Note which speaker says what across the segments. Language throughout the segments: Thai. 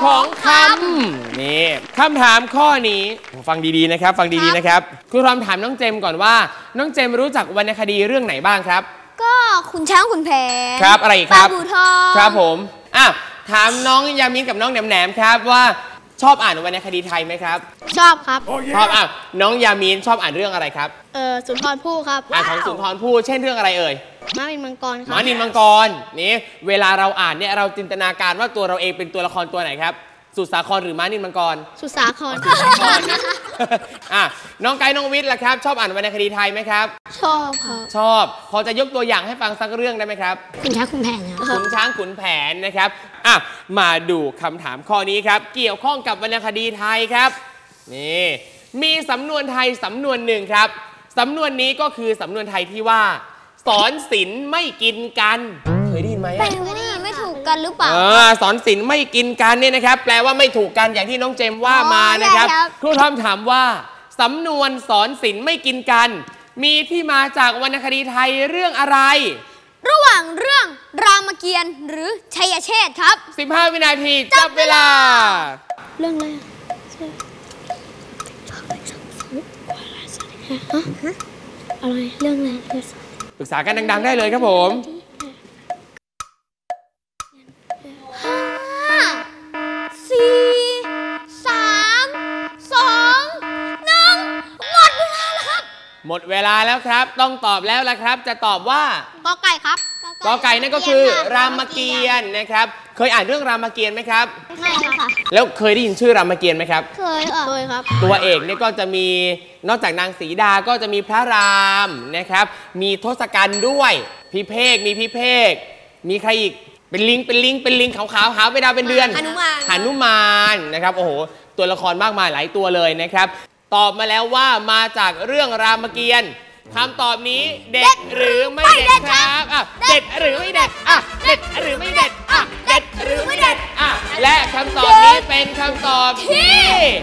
Speaker 1: ของคำนี่คำถามข้อนี้ฟังดีๆนะครับฟังดีๆนะครับครูทอมถามน้องเจมก่อนว่าน้องเจมรู้จักวรรณคดีเรื่องไหนบ้างครับ
Speaker 2: ก็ขุนช้างขุนแผน
Speaker 1: ครับอะไรอีกครับ
Speaker 2: ปลาบูทอง
Speaker 1: ครับผมถามน้องยามินกับน้องแหนมครับว่าชอบอ่านวรรณคดีไทยไหมครับ
Speaker 2: ชอบครับ
Speaker 1: ชอบน้องยามินชอบอ่านเรื่องอะไรครับ
Speaker 2: สุนทรภู่ครับ
Speaker 1: ของสุนทรภู่เช่นเรื่องอะไรเอ่ย
Speaker 2: ม้านินมังกรครับ
Speaker 1: ม้านินมังกรนี่เวลาเราอ่านเนี่ยเราจินตนาการว่าตัวเราเองเป็นตัวละครตัวไหนครับสุสาครหรือม้านินมังกร
Speaker 2: สุสาคร
Speaker 1: นะน้องไก่น้องวิทย์ล่ะครับชอบอ่านวรรณคดีไทยไหมครับ
Speaker 2: ชอบครับ
Speaker 1: ชอบพอจะยกตัวอย่างให้ฟังสักเรื่องได้ไหมครับ
Speaker 2: ขุนช้างขุนแผน
Speaker 1: ขุนช้างขุนแผนนะครับมาดูคำถามข้อนี้ครับเกี่ยวข้องกับวรรณคดีไทยครับนี่มีสำนวนไทยสำนวนหนึ่งครับสำนวนนี้ก็คือสำนวนไทยที่ว่าสอนศีลไม่กินกันเคยได้ยินไหม
Speaker 2: แปลว่าไม่ถูกกันหรือเปล่า
Speaker 1: สอนศีลไม่กินกันเนี่ยนะครับแปลว่าไม่ถูกกันอย่างที่น้องเจมว่ามานะครับครูทอมถามว่าสำนวนสอนศีลไม่กินกันมีที่มาจากวรรณคดีไทยเรื่องอะไร
Speaker 2: ระหว่างเรื่องรามเกียรติ์หรือชัยเชษฐ์ครับ
Speaker 1: 15 วินาทีจับเวลา
Speaker 2: เรื่องอะไรอะไรเรื่องอะไร
Speaker 1: ปรึกษากันดังๆได้เลยครับผม
Speaker 2: 5 4 3 2 1หมดเวลาแล้วครับ
Speaker 1: หมดเวลาแล้วครับต้องตอบแล้วละครับจะตอบว่าก
Speaker 2: อไก่ครับ
Speaker 1: กอไก่นั่นก็คือรามเกียรติ์นะครับเคยอ่านเรื่องรามเกียรติ์ไหมครับ
Speaker 2: ไม่ค่ะ
Speaker 1: แล้วเคยได้ยินชื่อรามเกียรติ์ไหมครับ
Speaker 2: เคยครับ
Speaker 1: ตัวเอกเนี่ยก็จะมีนอกจากนางสีดาก็จะมีพระรามนะครับมีทศกัณฐ์ด้วยพิเภกมีใครอีกเป็นลิงขาวหาไปดาวเป็นเดือนหนุมานนะครับโอ้โหตัวละครมากมายหลายตัวเลยนะครับตอบมาแล้วว่ามาจากเรื่องรามเกียรติ์คำตอบนี้เด็ดหรือไม่เด็ดครับเด็ดหรือไม่เด็ดเด็ดหรือไม่เด็ดเด็ดหรือไม่เด็ดและคำตอบนี้เป็นคำตอบที่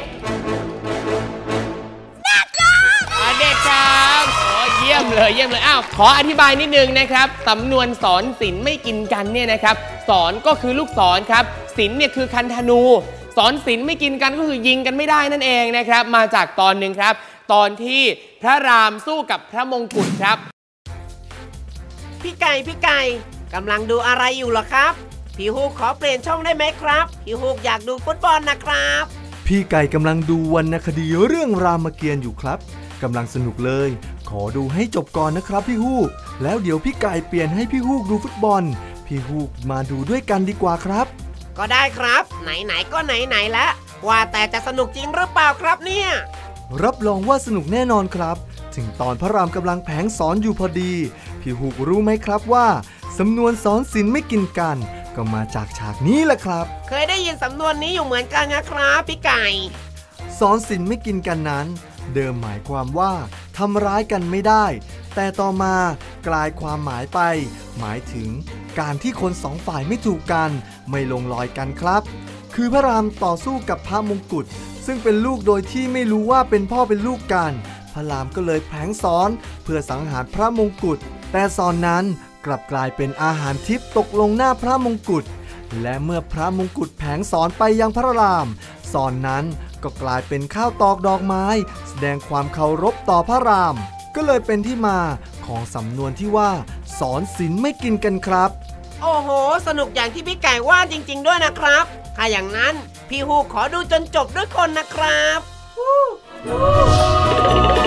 Speaker 1: เด็ดครับเยี่ยมเลยขออธิบายนิดนึงนะครับสำนวนสอนศีลไม่กินกันเนี่ยนะครับสอนก็คือลูกศรครับศีลเนี่ยคือคันธนูสอนศีลไม่กินกันก็คือยิงกันไม่ได้นั่นเองนะครับมาจากตอนหนึ่งครับตอนที่พระรามสู้กับพระมงกุฎครับ
Speaker 3: พี่ไก่กำลังดูอะไรอยู่หรอครับพี่ฮูกขอเปลี่ยนช่องได้ไหมครับพี่ฮูกอยากดูฟุตบอลนะครับ
Speaker 4: พี่ไก่กำลังดูวรรณคดีเรื่องรามเกียรติ์อยู่ครับกำลังสนุกเลยขอดูให้จบก่อนนะครับพี่ฮูกแล้วเดี๋ยวพี่ไก่เปลี่ยนให้พี่ฮูกดูฟุตบอลพี่ฮูกมาดูด้วยกันดีกว่าครับ
Speaker 3: ก็ได้ครับไหนก็ไหนแล้วว่าแต่จะสนุกจริงหรือเปล่าครับเนี่ย
Speaker 4: รับรองว่าสนุกแน่นอนครับถึงตอนพระรามกำลังแผงสอนอยู่พอดีพี่ฮูกรู้ไหมครับว่าสำนวนสอนศีลไม่กินกันก็มาจากฉากนี้แหละครับ
Speaker 3: เคยได้ยินสำนวนนี้อยู่เหมือนกันนะครับพี่ไก่
Speaker 4: สอนศีลไม่กินกันนั้นเดิมหมายความว่าทำร้ายกันไม่ได้แต่ต่อมากลายความหมายไปหมายถึงการที่คนสองฝ่ายไม่ถูกกันไม่ลงรอยกันครับคือพระรามต่อสู้กับพระมงกุฎซึ่งเป็นลูกโดยที่ไม่รู้ว่าเป็นพ่อเป็นลูกกันพระรามก็เลยแผลงสอนเพื่อสังหารพระมงกุฎแต่สอนนั้นกลับกลายเป็นอาหารทิพย์ตกลงหน้าพระมงกุฎและเมื่อพระมงกุฎแผลงสอนไปยังพระรามสอนนั้นก็กลายเป็นข้าวตอกดอกไม้แสดงความเคารพต่อพระรามก็เลยเป็นที่มาของสำนวนที่ว่าสอนศีลไม่กินกันครับ
Speaker 3: โอ้โหสนุกอย่างที่พี่ไก่ว่าจริงๆด้วยนะครับถ้าอย่างนั้นพี่ฮูกขอดูจนจบด้วยคนนะครับ